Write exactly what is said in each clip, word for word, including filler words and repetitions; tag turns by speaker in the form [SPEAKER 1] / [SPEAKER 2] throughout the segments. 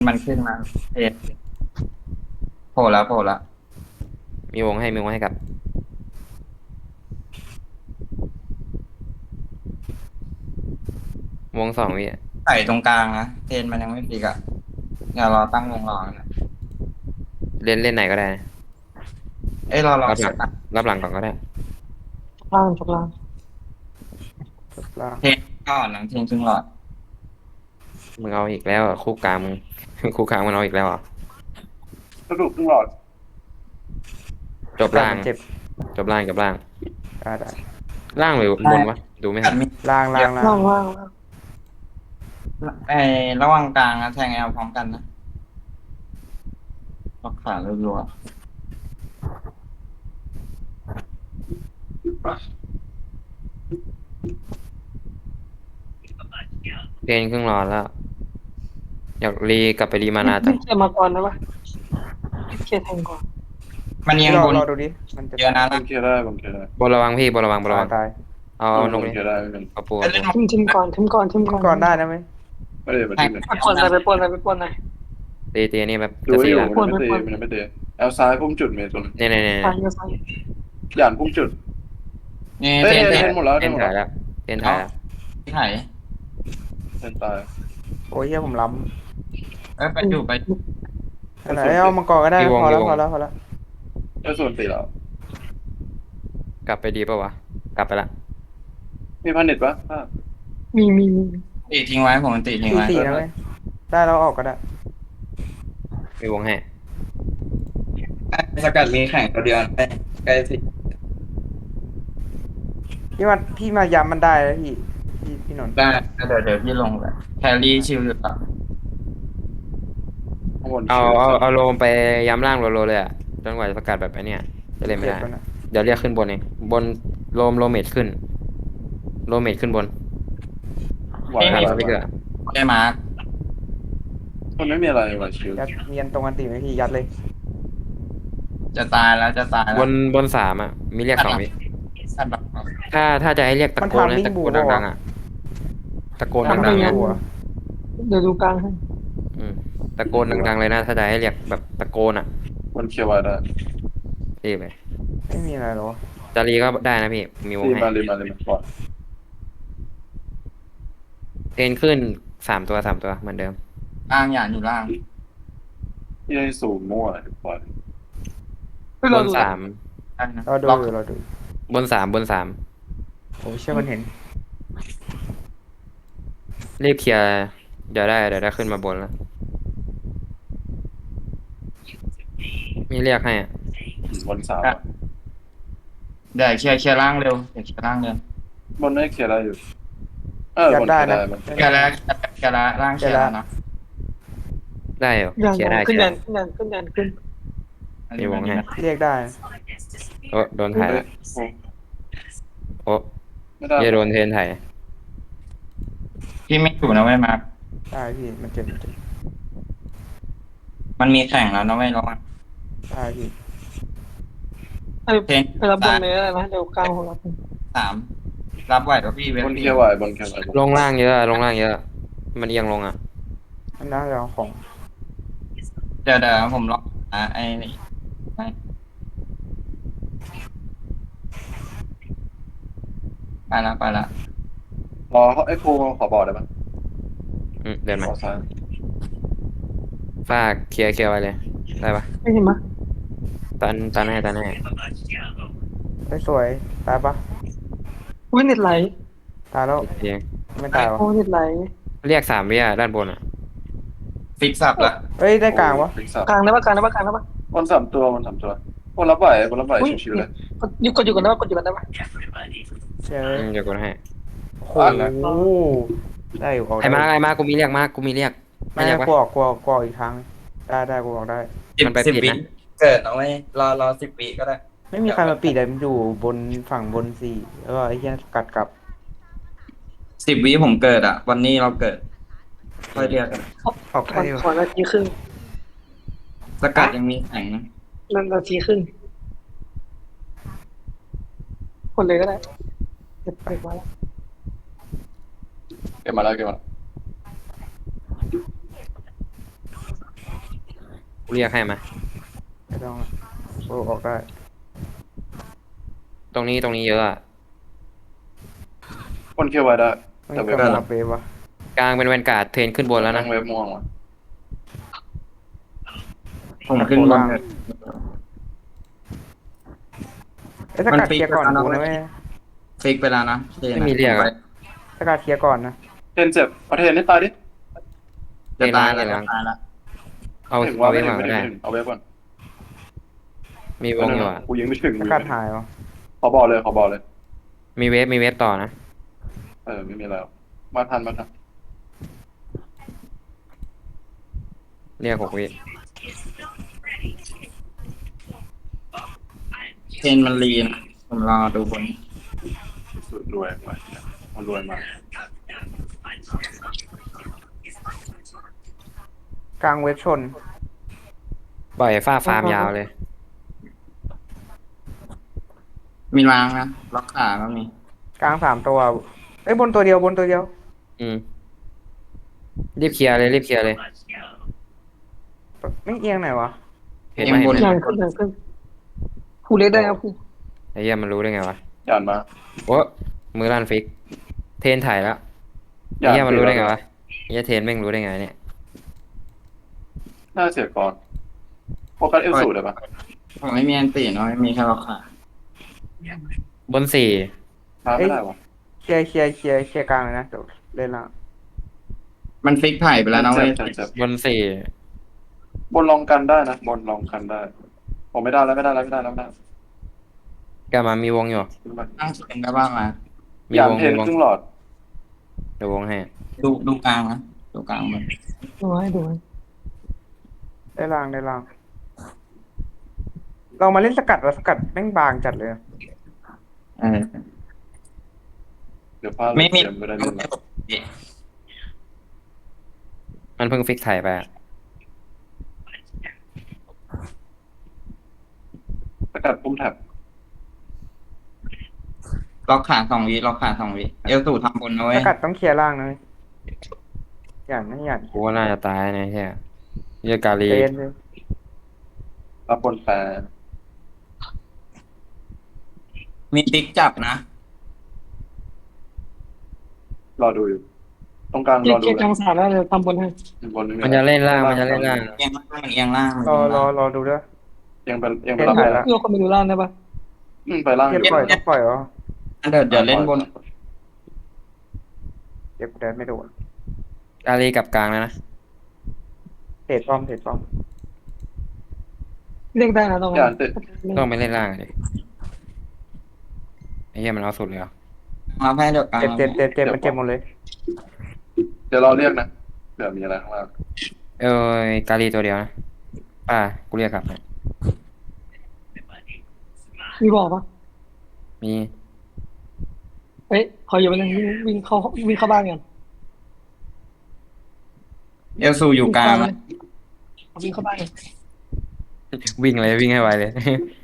[SPEAKER 1] มันขึ้นมาเอ็ดโผล่แล้วโผล่แล้ว
[SPEAKER 2] มีวงให้มีวงให้กับวงสองวิอะ
[SPEAKER 1] ใส่ตรงกลางนะเทนมันยังไม่ปีกอะเดี๋ยวรอตั้งวงรอนะ
[SPEAKER 2] เล่นเล่นไหนก็ได้นะ
[SPEAKER 1] เอ้ยรอรอ
[SPEAKER 2] รับหลัง
[SPEAKER 1] เซตอะ
[SPEAKER 2] รับหลังก่อนก็ได้
[SPEAKER 3] ล่างจบล่าง
[SPEAKER 4] จบล่าง
[SPEAKER 1] เทนก่อนหลังเทนครึ่งหลอด
[SPEAKER 2] มึงเอาอีกแล้วอะคู่กลางมึงคู่กลางมันเอาอีกแล้วอ่ะ
[SPEAKER 4] สรุปครึ่งหลอด
[SPEAKER 2] จบล่าง
[SPEAKER 4] มันเจ็บ
[SPEAKER 2] จบล่างจบล่าง
[SPEAKER 4] ได้ได้
[SPEAKER 2] ล่างหรือบนวะดูไม่ทัน
[SPEAKER 1] กัดมี
[SPEAKER 4] ล่างล่างล่าง
[SPEAKER 3] ล่างล่างล่าง
[SPEAKER 1] ไอ้ระหว่างกลางนะแทงแอลพร้อมกันนะล็อกขารัว
[SPEAKER 2] เพนครึ่งรอแล้วอยากรีกลับไปรีมานาจั
[SPEAKER 3] พี่
[SPEAKER 2] ง
[SPEAKER 3] เคลียร์มาก่อนนะปะพี่เคลียร์แทงก่อน
[SPEAKER 1] ๆมันยัง
[SPEAKER 4] รอบ
[SPEAKER 1] น
[SPEAKER 4] รอดูดิมันจะ
[SPEAKER 1] เยอะนะ
[SPEAKER 5] ผมเคลียร์ได้ผมเคลียร์ได้
[SPEAKER 2] บนระวังพี่บนระวังบนระ
[SPEAKER 4] ตา
[SPEAKER 2] วั
[SPEAKER 4] ย
[SPEAKER 2] ง
[SPEAKER 4] ตาย
[SPEAKER 2] เอาเอาน
[SPEAKER 5] ผ
[SPEAKER 2] ก
[SPEAKER 5] ม
[SPEAKER 2] นี่
[SPEAKER 5] เคลียร์ได้เหมือนกัน
[SPEAKER 2] เอาปู
[SPEAKER 1] เอ้
[SPEAKER 2] เอา
[SPEAKER 1] ยเล่น
[SPEAKER 2] ปู
[SPEAKER 3] ทิมทิมก่อนทิมก่อนทิม
[SPEAKER 4] ขึ้
[SPEAKER 3] ก่อน
[SPEAKER 4] นก่อนได้นะไหม
[SPEAKER 5] ไม่ได้มาที่หนึ่ง
[SPEAKER 3] ไปปล้นอะไรไปปล้นอะไรไปปล้นอะไร
[SPEAKER 2] ตีตีนี่แบบ
[SPEAKER 5] ดู
[SPEAKER 2] จะ
[SPEAKER 5] ให้
[SPEAKER 2] สี่
[SPEAKER 5] อยู่
[SPEAKER 2] ละ
[SPEAKER 5] มันไม่เตะมันไม่เตะแอลซ้ายพุ่มจุดเมย์ตัวนึง
[SPEAKER 2] เนี่ยเนี่ยเนี่ย
[SPEAKER 3] ซ้ายเยอะซ้าย
[SPEAKER 5] หยานพุ่มจุด
[SPEAKER 1] นี่
[SPEAKER 5] เอ้ย
[SPEAKER 1] เทน
[SPEAKER 5] เท
[SPEAKER 1] เท
[SPEAKER 5] น
[SPEAKER 1] น
[SPEAKER 5] หมดแล้ว
[SPEAKER 2] เท
[SPEAKER 5] เทน
[SPEAKER 2] น
[SPEAKER 5] หมด
[SPEAKER 2] ถ่าย
[SPEAKER 5] แล้ว
[SPEAKER 2] แล้วเทนถ่ายแล้ว
[SPEAKER 1] ที่ไหน
[SPEAKER 5] เทนตาย
[SPEAKER 4] โอ้ยเฮียผมล้
[SPEAKER 1] เอ้ยไปอยู่ไป
[SPEAKER 4] ำอะไรเอามังกรก็ได้พอแล้วพอแล้วพอแล้ว
[SPEAKER 5] เอ้ยส่วนตีแล้ว
[SPEAKER 2] กลับไปดีป่าวะกลับไปละ
[SPEAKER 5] มีพันเน็ตปะอ่ะ
[SPEAKER 3] มีมีมี
[SPEAKER 1] ตีทิ้งไว้ผมตีทิ้ง
[SPEAKER 4] สี่
[SPEAKER 1] ไว้
[SPEAKER 4] สี่นะไหมได้แล้วออกก็ได้
[SPEAKER 2] มีวงให้
[SPEAKER 1] สกัดมีแข่งตัวเดียวใกล้ใกล้สิ
[SPEAKER 4] พี่มาพี่มาย้ำมันได้แล้วพี่พี่พี่นนท์
[SPEAKER 1] ได้เดี๋ยวเดี๋ยวพี่ลงแบบแครี่ชิลอยู่ต่อ
[SPEAKER 5] ข้างบน
[SPEAKER 2] เอาเอาเอาโลมไปย้ำล่างโลโลเลยอ่ะจนกว่าจะประกาศแบบไอ้เนี่ยจะเล่นไม่
[SPEAKER 4] เจ็บ
[SPEAKER 2] ได้
[SPEAKER 4] แล้วนะ
[SPEAKER 2] เดี๋ยวเรียกขึ้นบนเองบนโลมโลเมดขึ้นโลเมดขึ้นบน
[SPEAKER 5] ไหว
[SPEAKER 2] ไม่
[SPEAKER 5] ไหว
[SPEAKER 2] มีส
[SPEAKER 5] ไหว
[SPEAKER 2] ปิเกอร์
[SPEAKER 1] ได้มาร์ค
[SPEAKER 5] มันไม่มีอะไรไหวชิว
[SPEAKER 4] ยัดเมียนตรงกันตีไหมพี่ยัดเลย
[SPEAKER 1] จะตายแล้วจะตายแล้ว
[SPEAKER 2] บนบนสามอ่ะมีเรียกสองวิ
[SPEAKER 1] สัตว์แบบ
[SPEAKER 2] ถ้าถ้าจะให้เรียกตะโกนนะตะโกนดังๆอ่ะตะโกน
[SPEAKER 4] ทำ
[SPEAKER 2] ดั
[SPEAKER 4] ไม่
[SPEAKER 2] งๆ
[SPEAKER 4] ยั
[SPEAKER 2] นะ
[SPEAKER 4] หัว
[SPEAKER 3] เดี๋ยวดูกลางให้
[SPEAKER 2] อืมตะโกนดังๆเลยนะถ้าจะให้เรียกแบบตะโกนอ่ะ
[SPEAKER 5] มันเคลียร์ไว้ได้
[SPEAKER 2] รีบไป
[SPEAKER 4] ไม่มีอะไรหรอ
[SPEAKER 2] จารีก็ได้นะพี่มีวง
[SPEAKER 5] รีบ
[SPEAKER 2] ให้
[SPEAKER 5] มารีบมารีบมาปล่อย
[SPEAKER 2] เทนขึ้นสามตัวสามตัวเหมือนเดิม
[SPEAKER 1] ล่างหยานอยู่ล่าง
[SPEAKER 5] ที่ได้สูงมั่วปล่อย
[SPEAKER 3] เฮ้ย
[SPEAKER 2] บ
[SPEAKER 3] เรา
[SPEAKER 2] น
[SPEAKER 3] ดู
[SPEAKER 2] สาม
[SPEAKER 1] ได้นะ
[SPEAKER 4] เราดู
[SPEAKER 1] ล็อก
[SPEAKER 4] อยู่เราดู
[SPEAKER 2] บนสามบนสาม
[SPEAKER 4] โอ้ยเชื่อมันเห็น
[SPEAKER 2] รีบเคลียร์เดี๋ยวได้เดี๋ยวได้ขึ้นมาบนแล้วมีเรียกให้อะ
[SPEAKER 5] บนสาม
[SPEAKER 1] เดี๋ยวเคลียร์เคลียร์ล่างเร็วเดี๋ยวเคลียร์ล่างเร็ว
[SPEAKER 5] บนได้เคลียร์ได้อยู่เออบนเคลียร์ได้บน
[SPEAKER 1] เคลียร์แล้วเคลียร์แล้วล่างเคลียร์แล้วนะ
[SPEAKER 2] ได้เหรอ
[SPEAKER 3] อย่าง
[SPEAKER 2] เคลียร์ได้
[SPEAKER 3] ขึ้น
[SPEAKER 2] เคลี
[SPEAKER 3] ยั
[SPEAKER 2] ย
[SPEAKER 3] น
[SPEAKER 2] ร์
[SPEAKER 3] ขึ้นยันขึ้นยันขึ้น
[SPEAKER 2] มีวงให้
[SPEAKER 4] เรียกได้
[SPEAKER 2] โอ้โดนถ่ายละ
[SPEAKER 5] โอ้
[SPEAKER 2] โอ้
[SPEAKER 5] ไม่ได้
[SPEAKER 2] ยโดนเทนถ่าย
[SPEAKER 1] พี่ไม่อยู่นะเว้ยมาร์ค
[SPEAKER 4] ได้พี่มันเจ็บมันเจ็บ
[SPEAKER 1] มันมีแข่งแล้วนะเว้ยระวัง
[SPEAKER 4] ได้พี่
[SPEAKER 3] ไอ้
[SPEAKER 1] เทน
[SPEAKER 3] ไปรับบนเลยนะเดี๋ยวกลางของเรา
[SPEAKER 1] สามรับไหวกับพี่เว้ย
[SPEAKER 5] บน
[SPEAKER 1] พี่
[SPEAKER 5] เคลียร์ไหวบนเคลียร์ไหว
[SPEAKER 2] ลงล่างเยอะลงล่างเยอะ มันเอียงลงอ่ะ
[SPEAKER 4] อันนั้นเราของ
[SPEAKER 1] เดี๋ยวเดี๋ยวผมล็อกอ่ะไอ้นี่ไปละไปละ
[SPEAKER 5] รอเขาไอ้ครูขอบอกได้ปะ
[SPEAKER 2] อืมเดินมา
[SPEAKER 5] ขอซ้าย
[SPEAKER 2] ฝากเคลียร์เคลียร์ไว้เลยได้ปะ
[SPEAKER 3] ไม่เห็นมะ
[SPEAKER 2] ตันตันให้ตันให้
[SPEAKER 4] เฮ้ยสวยตายปะ
[SPEAKER 3] อุ้ยเน็ตไหล
[SPEAKER 4] ตายแล้ว
[SPEAKER 2] เอียง
[SPEAKER 4] ไม่ตายวะ
[SPEAKER 3] โอ้เน็ตไหล
[SPEAKER 2] เรียกสามวิอ่ะด้านบนอ่ะ
[SPEAKER 1] ฟิกสับละ
[SPEAKER 4] เฮ้ยได้กลางวะ
[SPEAKER 5] ฟิกซับ
[SPEAKER 3] กลางได้ปะกลางได้ปะกลางได้ปะ
[SPEAKER 5] บนสามตัวบนสามตัวบนรับไหวบนรับไหว
[SPEAKER 3] อุ้ย
[SPEAKER 5] ชิวๆเลย
[SPEAKER 3] กดหยุดกดอยู่กันได้ปะกดอยู่กันได้ปะ
[SPEAKER 4] เชื่อ
[SPEAKER 2] อืมเดี๋ยวกดให้
[SPEAKER 4] โอ้โหได้อยู่ออก
[SPEAKER 2] ไอ้มาไอ้มากูมีเรียกมากูมีเรียก
[SPEAKER 4] ไม่
[SPEAKER 2] ไม่เรียก
[SPEAKER 4] ก
[SPEAKER 2] ปะ
[SPEAKER 4] ลัวกลัวกลัวอีกครั้งได้ได้กูออกได้
[SPEAKER 2] มันไป
[SPEAKER 1] สิบ
[SPEAKER 2] ปิด
[SPEAKER 1] วิ
[SPEAKER 2] นะ
[SPEAKER 1] เกิดเอาไว้รอรอสิบวิก็ได้
[SPEAKER 4] ไม่มีใครมาปิดเลยมันอยู่บนฝั่งบนสี่แล้วก็ไอ้เหี้ยกัดกลับ
[SPEAKER 1] สิบวิผมเกิดอ่ะ วันนี้เราเกิดค่อยเรียกกัน
[SPEAKER 4] ออก
[SPEAKER 3] ข
[SPEAKER 4] ได้
[SPEAKER 3] อ
[SPEAKER 4] อยู่
[SPEAKER 3] ขอนาทีครึ่ง
[SPEAKER 1] สกัดยังมีแข่งนะ
[SPEAKER 3] นั่นนาทีครึ่งคนเลยก็ได้เก็บไปมาแล้ว
[SPEAKER 5] เก็บมาแล้วเก็บมา
[SPEAKER 2] กูเรียกให้มา
[SPEAKER 4] ไม่ต้องอะโอ้ออกได้
[SPEAKER 2] ตรงนี้ตรงนี้เยอะอะ
[SPEAKER 5] คนเคียวไว้ได้
[SPEAKER 4] ไม่
[SPEAKER 5] แต่เว
[SPEAKER 4] ก
[SPEAKER 5] ฟ
[SPEAKER 4] ลับ
[SPEAKER 5] ม่ว
[SPEAKER 4] มาง เวฟวะ
[SPEAKER 2] กลางเป็นแวนการ์ดเทรนขึ้นบนแล้วนะ
[SPEAKER 5] งเวฟม่วงว่ะ
[SPEAKER 1] ผมขึ้นบนเถอะ
[SPEAKER 4] เอ้ยสกัดเคลียร์ก่อนกูนะเว้ย
[SPEAKER 1] ฟิกไปแล้วนะเทน
[SPEAKER 2] ไม่มีเรียกอะ
[SPEAKER 4] สกัดเคลียร์ก่อนนะ
[SPEAKER 5] เทนเจ็บเอาเทนให้ตายดิ
[SPEAKER 1] จะตายแล้ว
[SPEAKER 2] เทนล้าง
[SPEAKER 1] จะตายแล้ว
[SPEAKER 2] เอา
[SPEAKER 5] ถึง
[SPEAKER 2] เอา
[SPEAKER 5] ว่า
[SPEAKER 2] ไว้
[SPEAKER 5] ไม่ถึ
[SPEAKER 2] ก่อง น
[SPEAKER 5] ไม่
[SPEAKER 2] ก็
[SPEAKER 5] ถึง
[SPEAKER 2] ได้
[SPEAKER 5] ไม่ถึงเอาเวฟก่อน
[SPEAKER 2] มีวงอยู่อะ
[SPEAKER 5] กูยิงไม่ถึง
[SPEAKER 4] สกัดหายวะ
[SPEAKER 5] ขอบอกเลยขอบอกเลย
[SPEAKER 2] มีเวฟมีเวฟต่อนะ
[SPEAKER 5] เออไม่มีแล้วมาทันมาทัน
[SPEAKER 2] เรียกหกวิ
[SPEAKER 1] เทนมันลีนะผมรอดูบน
[SPEAKER 5] สุดรวยไปมันรวยมาก
[SPEAKER 4] กลางเวฟชน
[SPEAKER 2] ปล่อยฟ้าฟาร์มยาวเลย
[SPEAKER 1] มีล้างนะล็อกขาก็มี
[SPEAKER 4] กลางสามตัวเอ้ยบนตัวเดียวบนตัวเดียว
[SPEAKER 2] อืมรีบเคลียร์เลยรีบเคลียร์เลย
[SPEAKER 4] ไม่เอียงไหนวะ
[SPEAKER 2] เห็นไหมเห็นไหม
[SPEAKER 3] ยังขึ้นยังขึ้นผู้เล็กได้ครับผู้
[SPEAKER 2] ไอ้เหี้ยมันรู้ได้ไงวะ
[SPEAKER 5] หยานมา
[SPEAKER 2] โอ้มือลั่นฟิก เทรนถ่ายแล้ว
[SPEAKER 5] ห
[SPEAKER 2] ไอ้
[SPEAKER 5] ยาน
[SPEAKER 2] เหี้ยมันรู้ได้ไงวะไอ้เหี้ยเทรนแม่งรู้ได้ไงเนี่ย
[SPEAKER 5] น่าเสียก่อนโฟกัสเอลสูดเลยปะ
[SPEAKER 1] ผมไม่มีอันตีเนาะไม่มีแค่ล็อกขา
[SPEAKER 2] บนสี่
[SPEAKER 5] มาไม่ได้วะ
[SPEAKER 4] เคลียร์เคลียร์เคลียร์เคลียร์กลางเลยนะเดี๋ยวเล่นละ
[SPEAKER 1] มันฟิกไผ่ไปแล้วนะเว้ย
[SPEAKER 5] เจ็บเจ็บเจ็บบ
[SPEAKER 2] นสี่
[SPEAKER 5] บนลองกันได้นะบนลองกันได้ผมไม่ได้แล้วไม่ได้แล้วไม่ได้แล้วไม่ได้
[SPEAKER 2] กลับมามีวงอยู่
[SPEAKER 5] ขึ้นมา
[SPEAKER 1] ตั้งเทนได้บ้างนะ
[SPEAKER 2] มี
[SPEAKER 5] หยาน
[SPEAKER 2] วง
[SPEAKER 5] เท
[SPEAKER 2] มี
[SPEAKER 5] น
[SPEAKER 2] วง
[SPEAKER 5] ครึ่งหลอด
[SPEAKER 2] เดี๋ยววงให้
[SPEAKER 1] ดูดูกลางนะดูกลางมัน
[SPEAKER 3] ดูให้ดูให้
[SPEAKER 4] ได้ล่างได้ล่าง เรามาเล่นสกัดว่าสกัดแม่งบางจัดเลย
[SPEAKER 1] เออ
[SPEAKER 5] เดี๋ยวพลาด
[SPEAKER 1] ไม่มี
[SPEAKER 5] เกมไม่ได้เล่นละ
[SPEAKER 2] มันเพิ่งฟิกถ่ายไปอะ
[SPEAKER 5] สกัดปุ่มแท็บ
[SPEAKER 1] ล็อกขาสองวิล็อกขาสองวิเอลสูทำบนนะเว้
[SPEAKER 4] ส
[SPEAKER 1] ย
[SPEAKER 4] กัดต้องเคลียร์ล่างนะเว้ยหยันนะหยัน
[SPEAKER 2] กูว่าน่าจะตายนะเหี้ยเหี้ยกาลี
[SPEAKER 4] เล่นเลย
[SPEAKER 5] รับบนแฟร์
[SPEAKER 1] มีติ๊กจับนะ
[SPEAKER 5] รอดูอยู่ตรงกลาง
[SPEAKER 3] เกี
[SPEAKER 5] ร
[SPEAKER 3] ย
[SPEAKER 5] อ
[SPEAKER 3] ร์
[SPEAKER 5] ดู
[SPEAKER 3] เกียร์
[SPEAKER 5] เล
[SPEAKER 3] ก
[SPEAKER 5] ย
[SPEAKER 3] ลางสามแล้วเลยทำบนให้
[SPEAKER 5] บนไม่มี
[SPEAKER 2] มันจะเล่นล่างมันจะเล่นล่าง
[SPEAKER 1] เอียงล่างเอียงล่าง
[SPEAKER 4] รอรอรอดูด้วย
[SPEAKER 5] ยังเป็นยัง
[SPEAKER 4] เล่
[SPEAKER 5] เป็น
[SPEAKER 4] น
[SPEAKER 5] รับ
[SPEAKER 4] ถ่าย
[SPEAKER 5] ได้
[SPEAKER 4] ละ
[SPEAKER 3] เพื่อคนไปดูล่างได้ปะ
[SPEAKER 5] อืมไปล่างอ
[SPEAKER 4] เก็บ
[SPEAKER 5] ยู่
[SPEAKER 4] ปล่อยต้องปล่อยเหรอ
[SPEAKER 1] เดี๋ยวเดี๋ยวเล่นบน
[SPEAKER 4] เก็บแดนไม่โดน
[SPEAKER 2] กาลีกลับกลางแล้วนะ
[SPEAKER 4] เทรดป้อมเทรดป้อม
[SPEAKER 3] เรียกได้นะตรง
[SPEAKER 5] ห
[SPEAKER 3] นั้
[SPEAKER 5] ยาน
[SPEAKER 3] น
[SPEAKER 5] ติด
[SPEAKER 2] ต้องไปเล่นล่างดิไอ้เหี้ยมันเอาสุดเลยเหรอ
[SPEAKER 1] มาให้เดี๋ยวกลาง
[SPEAKER 4] เจ็บเจ็บเจ็บเจ็บมันเจ็บหมดเลย
[SPEAKER 5] เดี๋ยวเราเรียกนะเดี๋ยวมีอะไรข้างล่าง
[SPEAKER 2] เอ้ยกาลีตัวเดียวนะป่ากูเรียกกลับนะ
[SPEAKER 3] มีบอกปะ
[SPEAKER 2] มี
[SPEAKER 3] เฮ้ยขออยู่ไปนึงวิ่งวิ่งเข้าวิ่งเข้าบ้านกัน
[SPEAKER 1] เอลสูอยู่กลางนะ
[SPEAKER 3] วิ่งเข้าบ้านกัน
[SPEAKER 2] วิ่งเลยวิ่งให้ไวเลย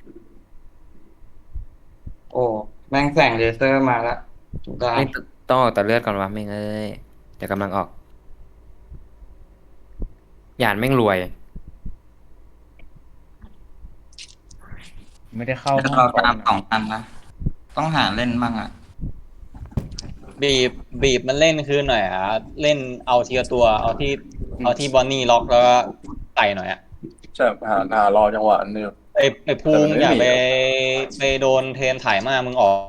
[SPEAKER 1] โอ้แม่งแสงเลเซอร์มาละอยู่กลาง
[SPEAKER 2] ไม่ต้องออกแต่เลือดก่อนวะไม่งเอ้ยเดี๋ยวกำลังออกหยานแม่งรวย
[SPEAKER 6] ไม่ได้เข้า
[SPEAKER 1] เราตามสองพันนะต้องหาเล่นบ้างอ่ะ
[SPEAKER 6] บีบบีบมันเล่นคือหน่อยอ่ะเล่นเอาทีละตัวเอาที่เอาที่บอนนี่ล็อกแล้วก็ไต่หน่อยอ่ะ
[SPEAKER 5] ใช่หาหารอจังหวะนี่
[SPEAKER 6] ไอไอภูมิ
[SPEAKER 5] แต่มันไม่
[SPEAKER 6] อย่า
[SPEAKER 5] มี
[SPEAKER 6] ไปไปโดนเทรนถ่ายมากมึงออก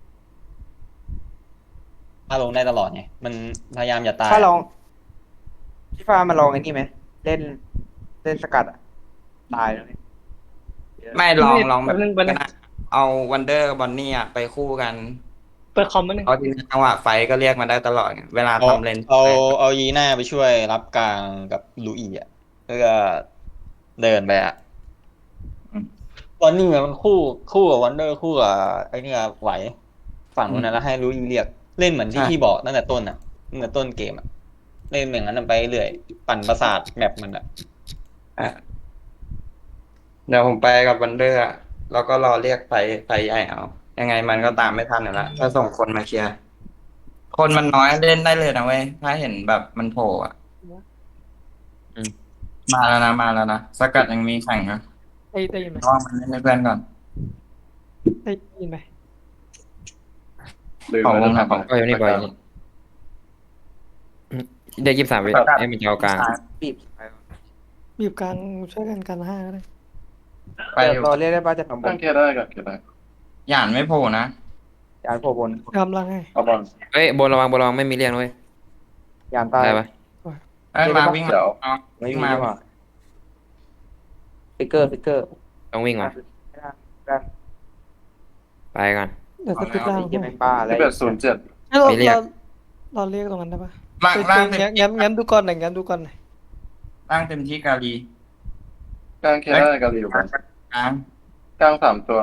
[SPEAKER 6] ถ้าลงได้ตลอดไงมันพยายามอย่าตาย
[SPEAKER 4] ถ้าลองพี่ฟ้ามาลองไอ้นี่ไหมเล่นเล่นสกัดอะตายเลย
[SPEAKER 1] ไม่ลองลองแบบ
[SPEAKER 3] นึงไปนึง
[SPEAKER 1] เอาวันเดอร์บอนนี่อ่ะไปคู่กัน
[SPEAKER 3] เปิดคอมมาหนึ่ง
[SPEAKER 1] เพราะทีนี้จังหวะไฟก็เรียกมาได้ตลอดไงเวลา
[SPEAKER 6] เอา
[SPEAKER 1] ทำเลน
[SPEAKER 6] เอาเอายีน่าไปช่วยรับกลางกับลูอีอ่ะเพื่อเดินไปอ่ะบอนนี่มันคู่คู่กับวันเดอร์คู่กับไอ้นี่ไหวฝั่งนู้นนะแล้วให้ลูอีเรียกเล่นเหมือนที่พี่บอกตั้งแต่ต้นอ่ะตั้งแต่ต้นเกมอ่ะเล่นอย่างนั้นไปเรื่อยปั่นประสาทแมปมันอ่ะ
[SPEAKER 1] อ่ะเดี๋ยวผมไปกับวันเดอร์อะแล้วก็รอเรียกไฟไฟใหญ่เอายังไงมันก็ตามไม่ทันอยู่แล้วถ้าส่งคนมาเคลียร์คนมันน้อยเล่นได้เลยนะเว้ยถ้าเห็นแบบมันโผล่อะมาแล้วนะมาแล้วนะสกัดยังมีแข่งนะ
[SPEAKER 3] ได้ได้ยินไหม
[SPEAKER 1] ระวังมันเล่นให้เพื่อนก่อน
[SPEAKER 3] ได้ยินไหม
[SPEAKER 5] ลืม
[SPEAKER 1] ของ
[SPEAKER 5] ไป
[SPEAKER 1] วงไหน
[SPEAKER 5] ทำ
[SPEAKER 1] ของ
[SPEAKER 2] ปล่อยอยู่นี่ปล่อยอยู่นี่อืมได้ยี่สิบสามวิไอ้มันจะเอากลาง
[SPEAKER 4] บีบไป
[SPEAKER 3] บีบกลางช่วยกันกันห้าก็ได้
[SPEAKER 1] ไปอยู่
[SPEAKER 4] รอเรียกได้ป่ะจะทำบ
[SPEAKER 5] ตั้
[SPEAKER 4] น
[SPEAKER 5] งเคลียร์ได้กันเคลียร์ได้
[SPEAKER 1] หยานไม่โผล่นะ
[SPEAKER 4] ยานโผล่บน
[SPEAKER 3] กำลังให้
[SPEAKER 5] เอาบอล
[SPEAKER 2] เฮ้ยบนระวังบนระวังไม่มีเรียงนะเว้ย
[SPEAKER 4] ยานตาย
[SPEAKER 2] ได้ปะ
[SPEAKER 1] เอ้ยมาวิ่งมา
[SPEAKER 5] เดี๋ยว
[SPEAKER 1] เอา
[SPEAKER 4] ไม่
[SPEAKER 1] วิ่ง
[SPEAKER 4] มี
[SPEAKER 1] มา
[SPEAKER 4] ดีกว่าฟิกเกอร์ฟิกเกอร์
[SPEAKER 2] ต้องวิ่งมา
[SPEAKER 4] ไม่ได้ไม่ได้
[SPEAKER 2] ไปก่อน
[SPEAKER 3] เดี๋ยวสกิปล่าง
[SPEAKER 4] ไอ้เหี้ย
[SPEAKER 3] ให้
[SPEAKER 4] แม่งบ้าอะไร
[SPEAKER 5] สิบเอ็ดศูนย์เจ็ด
[SPEAKER 3] ให้เรา
[SPEAKER 2] ไม่เรียก
[SPEAKER 3] เราเราเรียกตรงนั้นได้ปะ
[SPEAKER 1] ล่าง
[SPEAKER 3] ไป
[SPEAKER 1] ล่าง
[SPEAKER 3] ไป
[SPEAKER 1] เต็ม
[SPEAKER 3] งั้นงั้นงั้นดูก่อนหน่อยงั้นดูก่อนหน่อย
[SPEAKER 1] ล่างเต็มที่กาลี
[SPEAKER 5] กลางเคลียร์ได้กันอยู่บน
[SPEAKER 1] กลาง
[SPEAKER 5] กลางสามตัว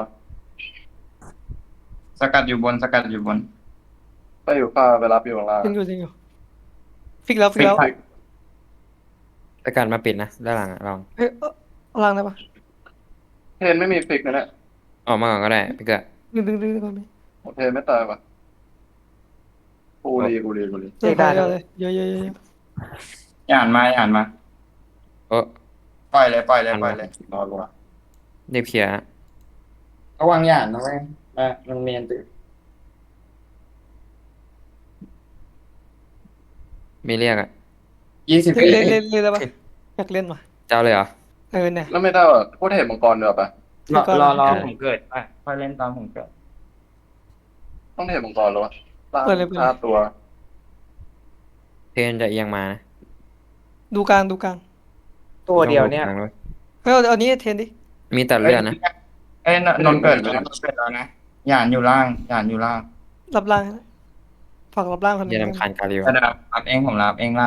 [SPEAKER 1] สกัดอยู่บนสกัดอยู่บน
[SPEAKER 5] ไปอยู่ฟ้าไปรับอยู่ข้างล่าง
[SPEAKER 3] จริงอยู่จริงอยู่ฟิกแล้วฟิกแล้ว
[SPEAKER 5] ฟิก
[SPEAKER 2] แต่การมาปิดนะด้านหลังอะลอง
[SPEAKER 3] เฮ้ยเอาเอาล่างได้ปะ
[SPEAKER 5] เทนไม่มีฟิกนะเนี่ย
[SPEAKER 2] ออกมาก่อนก็ได้พี่เกิด
[SPEAKER 3] ดึงดึงดึงก่อนไหม
[SPEAKER 5] โอเทนไม่ตายปะกูรีกูรีกูรี
[SPEAKER 3] เจอได้เลยเยอะเยอะเยอะเยอะ
[SPEAKER 1] หยานมาหยานมา
[SPEAKER 2] โอ้
[SPEAKER 1] ปล่อยเลยปล่อยเลยปล่อยเลย
[SPEAKER 5] นอนลงมา
[SPEAKER 2] รีบเคลียร์นะ
[SPEAKER 1] ระวังหยานนะเว้ยมามันเมียนติ
[SPEAKER 2] มีเรียกอะ
[SPEAKER 1] ยี่สิบ
[SPEAKER 3] เล่นเล่นเล่นได้ปะอยากเล่นว่ะ
[SPEAKER 2] เจ้าเลยเหรอ
[SPEAKER 3] เออเนี่ย
[SPEAKER 5] แล้วไม่ได้หรอพูดเห็นมังกรเดือปะ
[SPEAKER 1] รอรอรอผมเกิดไปค่อยเล่นตอนผมเกิด
[SPEAKER 5] ต้องเห็นมังกรหรอวะล่าง
[SPEAKER 3] เปิดเลยเปิดเลย
[SPEAKER 5] ห้าตัว
[SPEAKER 2] เพนจะเอียงมานะ
[SPEAKER 3] ดูกลางดูกลาง
[SPEAKER 4] ตัวเดียวเนี่ย
[SPEAKER 2] ต้องดูกลางด้ว
[SPEAKER 3] เฮ้ยเอาเอานี้เทนดิ
[SPEAKER 2] มีแต่เลือดนะ
[SPEAKER 1] เอ้ยนนนท์เกิดแล้วนนท์เกิดแล้วนะหยานอยู่ล่างหยานอยู่ล่าง
[SPEAKER 3] รับล่างนะฝากรับล่างคนหนึ
[SPEAKER 2] อย่าง ลำคาญกาลิว
[SPEAKER 1] กระดับรับเองผมรับเองล่าง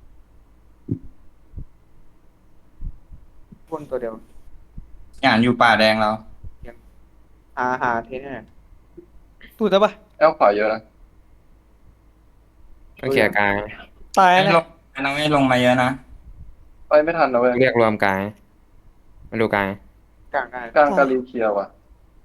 [SPEAKER 4] บนตัวเดียว
[SPEAKER 1] หยานอยู่ป่าแดงเรา
[SPEAKER 4] หาหาเทนเนี่ย
[SPEAKER 3] ดูได้ปะ
[SPEAKER 5] แอลขวาเยอะนะ
[SPEAKER 2] ต้องเคลียร์กลาง
[SPEAKER 3] ตาย
[SPEAKER 1] ไม่
[SPEAKER 3] นะ
[SPEAKER 1] ลงน้องไม่ลงมาเยอะนะ
[SPEAKER 5] ไปไม่ทันนะเว้ย
[SPEAKER 2] เรียกรวมกลางมาดูกลาง
[SPEAKER 4] กลางได้
[SPEAKER 5] กลางกาลีเคลียร์ว่ะ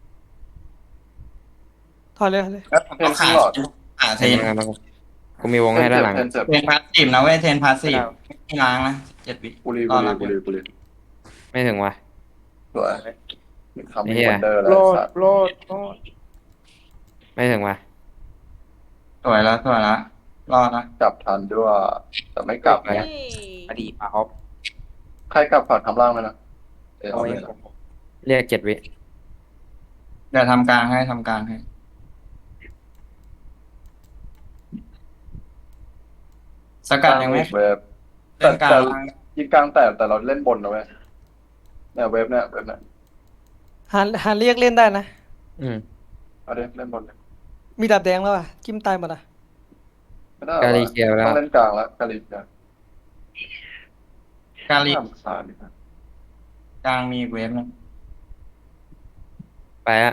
[SPEAKER 3] ถอยเลยถอยเลย
[SPEAKER 1] แล้วผมก็ขา
[SPEAKER 5] เทนขึ้นหลอด
[SPEAKER 1] ขาเท
[SPEAKER 2] เทน
[SPEAKER 1] น
[SPEAKER 2] มากูมีวงให้ด้านหลัง
[SPEAKER 5] เทนเจ็บ
[SPEAKER 1] เทนพาสซีฟนะเว้ยเทนพาสซีฟไม่ล้างนะเจ็ดวิ
[SPEAKER 5] กูรี
[SPEAKER 1] ร
[SPEAKER 5] กู
[SPEAKER 1] อ
[SPEAKER 5] รี
[SPEAKER 1] รับ
[SPEAKER 5] กูรีกูรี
[SPEAKER 2] ไม่ถึงว่ะ
[SPEAKER 5] สวยทำ
[SPEAKER 2] ไอ้
[SPEAKER 5] มี
[SPEAKER 2] เหี้ย
[SPEAKER 5] วันเดอร์แล้ว
[SPEAKER 4] โลด
[SPEAKER 5] สัตว์
[SPEAKER 4] โลดโลด
[SPEAKER 2] ไม่ถึงว่ะ
[SPEAKER 1] สวยแล้วสวยแล้วรอดนะ
[SPEAKER 5] กลับทันด้วยแต่ไม่กลับ
[SPEAKER 2] ไป
[SPEAKER 5] นะ
[SPEAKER 4] อดีตมาออฟ
[SPEAKER 5] ใครกลับฝากทำล่างไหมนะเออ
[SPEAKER 4] เอา
[SPEAKER 5] เอา
[SPEAKER 4] เอ
[SPEAKER 5] เล
[SPEAKER 4] ง
[SPEAKER 5] ย
[SPEAKER 4] ผม
[SPEAKER 2] เรียกเจ็ดวิ
[SPEAKER 1] เดี๋ยวทำกลางให้ทำกลางให้สกัดยังไม่
[SPEAKER 5] เว็บ
[SPEAKER 1] เล่นกลาง
[SPEAKER 5] แต่ ยิงกลางแต่แต่เราเล่นบนนะเว้ยเนี่ยเว็บเนี่ยเว็บเนี่ย
[SPEAKER 3] หาหาเรียกเล่นได้นะ
[SPEAKER 2] อืม
[SPEAKER 5] เอาดิเล่นบนเลย
[SPEAKER 3] มีดาบแดงแล้วอ่ะจิ้มตายหมดอ่ะ
[SPEAKER 5] ไม่ได้
[SPEAKER 2] กาลีเคลียร์แล้
[SPEAKER 5] ต้
[SPEAKER 2] ว
[SPEAKER 5] องเล่นกลางแล้วกาลีเนี่ย
[SPEAKER 1] กาลี
[SPEAKER 5] น่ารำคาญดิครับ
[SPEAKER 1] กลางมีเวฟนะ
[SPEAKER 2] ไปอะ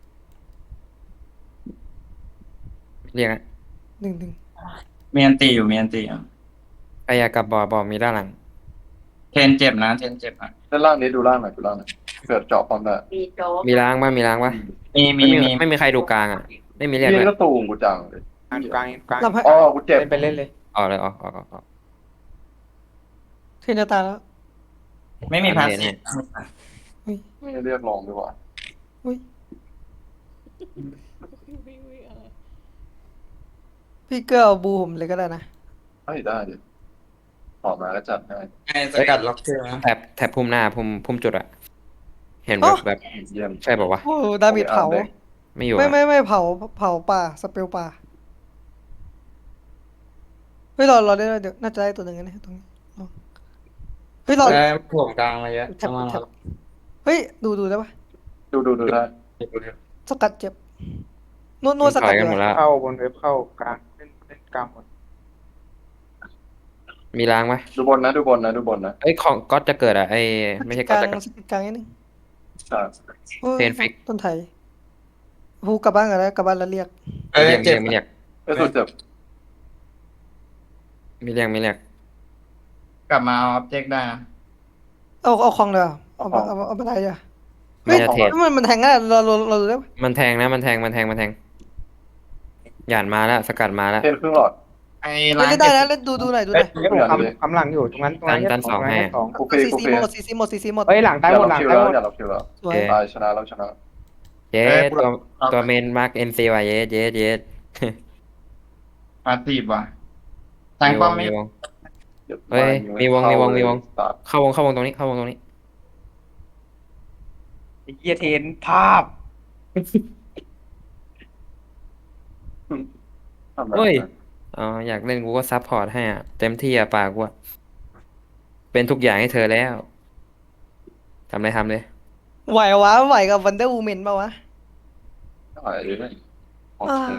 [SPEAKER 2] เรียกอะ
[SPEAKER 3] หนึ่งหนึ่ง
[SPEAKER 1] มีอันตีอยู่มีอันตีอยู่
[SPEAKER 2] ไปอยากกลับบ่อบ่อมีด้านหลัง
[SPEAKER 1] เทนเจ็บนะเทนเจ็บอ่ะ
[SPEAKER 5] เล่นล่างนี้ดูล่างหน่อยดูล่างหน่อยเกิดเจาะความได้
[SPEAKER 2] มีล้างบ้างมีล้างบ้าง
[SPEAKER 1] มีมี
[SPEAKER 2] ไม่มี
[SPEAKER 1] มี
[SPEAKER 2] ไม่มีใครดูกลางอ่ะ ไม่มีเรียก
[SPEAKER 5] ยิ
[SPEAKER 2] เล
[SPEAKER 5] ง
[SPEAKER 2] ย
[SPEAKER 5] ก็ตูงกูจังเลย
[SPEAKER 4] กลางกลางกลาง
[SPEAKER 3] รับให้
[SPEAKER 5] อ๋อกูเจ็บ
[SPEAKER 4] เล่นไปเล่นเลย
[SPEAKER 2] ออกเลยออกออกออกออก
[SPEAKER 3] เทนจะตายแล้ว
[SPEAKER 1] ไม่มีพาส
[SPEAKER 2] อันนี้
[SPEAKER 1] ซีฟ
[SPEAKER 5] ไม่เรียกลองดีกว่า
[SPEAKER 3] อุ้ยพี่เกอร์เอาบูผมเลยก็ได้นะ
[SPEAKER 5] เฮ้ยได้ดิออกมาก็จัดให้
[SPEAKER 1] ไอ้สกัดล็อกเกอร์นะ
[SPEAKER 2] แถบแถบพุ่มหน้าพุ่มพุ่มจุดอะเห็น
[SPEAKER 3] อ๋
[SPEAKER 2] แบ
[SPEAKER 3] อ
[SPEAKER 2] บแบบ
[SPEAKER 5] เยี่ยม
[SPEAKER 2] ใช่บอกว่าว
[SPEAKER 3] โอ้ดาเมจเผา
[SPEAKER 5] เอาเด็ก
[SPEAKER 2] ไม่อยู่
[SPEAKER 3] ไม่
[SPEAKER 2] อะ
[SPEAKER 3] ไม่ไม่เผาเผาป่าสเปลป่าเฮ้ยเราเราได้เดี๋ยวน่าจะได้ตัวหนึ่งนะตรงนี้ลองเฮ้ยเรา
[SPEAKER 1] ได้ถ่วงกลางมาเยอะ
[SPEAKER 3] แท็บ
[SPEAKER 1] เอามา
[SPEAKER 3] แท็บเฮ้ยดูดูได้ปะ
[SPEAKER 5] ดูดูดูได้
[SPEAKER 3] สกัดเจ็บนวดนวดส
[SPEAKER 2] ถ
[SPEAKER 3] กั
[SPEAKER 2] อ
[SPEAKER 3] ด
[SPEAKER 2] ยกันหมด
[SPEAKER 3] เลย
[SPEAKER 2] แล้ว
[SPEAKER 4] เข้าบนเว็บเข้ากลางเล่นเล่นกลางหมด
[SPEAKER 2] มีล้างไหม
[SPEAKER 5] ดูบนนะดูบนนะดูบนนะ
[SPEAKER 2] เอ้ยของก๊อตจะเกิดอะไอไม่ใช่
[SPEAKER 3] ก
[SPEAKER 2] ก๊อต
[SPEAKER 3] ลาง
[SPEAKER 2] จะเกิด
[SPEAKER 3] สกัดกลางนิดนึง
[SPEAKER 5] ใช่
[SPEAKER 3] โอ้ย
[SPEAKER 2] เทนฟิก
[SPEAKER 3] ต้นไทยพูกลับบ้านกันแล้วกลับบ้านแล้วเรียก
[SPEAKER 1] เอ้ย
[SPEAKER 2] เรียก
[SPEAKER 1] เจ็บ
[SPEAKER 2] ไม่เรียก
[SPEAKER 5] ไอ้สุดเจ็บ
[SPEAKER 2] ไม่เรียกไม่เรียก
[SPEAKER 1] กลับมาเอาออบเจกต์ได้นะ
[SPEAKER 3] เอาเอาคลองเลยเหรอเอาเอาเอาเอาไปไหนอ่ะ
[SPEAKER 2] ไม่จะเทรด
[SPEAKER 3] มันมันแทงง่ายเราเราเราดูได้ปะ
[SPEAKER 2] มันแทงนะมันแทงมันแทงมันแทงหยานมาแล้วสกัดมาแล้ว
[SPEAKER 5] เทนครึ่งหลอด
[SPEAKER 1] ไอไอ้
[SPEAKER 3] เล่
[SPEAKER 1] ร้าน
[SPEAKER 3] นได้นะเล่นดูดูหน่อยดูหน่อย
[SPEAKER 4] เฮ้ยผมคำคำหลังอยู่ตรงนั้นตรงนั้น
[SPEAKER 2] กัน
[SPEAKER 4] แค่
[SPEAKER 2] สอง
[SPEAKER 4] ตรงนั้น
[SPEAKER 2] ให้
[SPEAKER 4] แค่สอง
[SPEAKER 5] โอเค
[SPEAKER 3] ซี
[SPEAKER 5] โอ
[SPEAKER 3] ซี
[SPEAKER 5] เค
[SPEAKER 3] หมดซีซีหมดซีซีหมด
[SPEAKER 4] เฮ้ยหลัง
[SPEAKER 5] อ
[SPEAKER 4] ตาย
[SPEAKER 5] ย่า
[SPEAKER 4] หมด
[SPEAKER 5] รับ
[SPEAKER 4] หลัง
[SPEAKER 5] คิว
[SPEAKER 4] ตาย
[SPEAKER 5] แล้ว
[SPEAKER 4] หมด
[SPEAKER 5] อย่ารับคิวแล้ว
[SPEAKER 3] สวย
[SPEAKER 2] โอเค
[SPEAKER 5] ตายชนะแล้วชนะ
[SPEAKER 2] เจ๊
[SPEAKER 1] เอ้ยกู
[SPEAKER 2] ตัว
[SPEAKER 1] เอา
[SPEAKER 2] ตัวเมนมาร์กเอ็มซีว่ะเยสเยสเยส
[SPEAKER 1] มาตีบว่ะแทง
[SPEAKER 2] มีว
[SPEAKER 1] ป้อม
[SPEAKER 2] ง
[SPEAKER 1] ไม่
[SPEAKER 2] มีวง
[SPEAKER 5] เดี๋ยว
[SPEAKER 2] เฮ้ยมีวง
[SPEAKER 5] เข้า
[SPEAKER 2] มีวงมีวง
[SPEAKER 5] เลย
[SPEAKER 2] เข้าวงเข้าวงตรงนี้เข้าวงตรงนี้
[SPEAKER 4] ไอ้เกียเทนภาพ
[SPEAKER 5] ทำไม
[SPEAKER 2] เฮ้ยอ๋ออยากเล่นกูก็ซัพพอร์ตให้อ่ะเต็มที่อ่ะปากกูอะเป็นทุกอย่างให้เธอแล้วทำเลยทำเลย
[SPEAKER 3] ไหววะไหวกับวันเดอร์วูแมนป่าวะ
[SPEAKER 5] ได้เลยโอ
[SPEAKER 3] อ่า
[SPEAKER 5] เค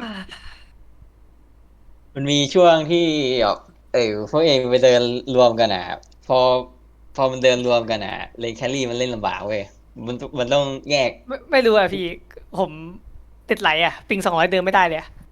[SPEAKER 6] มันมีช่วงที่แบบเออพวกเองไปเดินรวมกันอ่ะพอพอมันเดินรวมกันอ่ะเลนแครี่มันเล่นลำบากเว้ยมันมันต้องแยก
[SPEAKER 7] ไม่ไม่รู้อะพี่ ผมติดไหลอะปิงสองร้อยเดินไม่ได้เลยอะ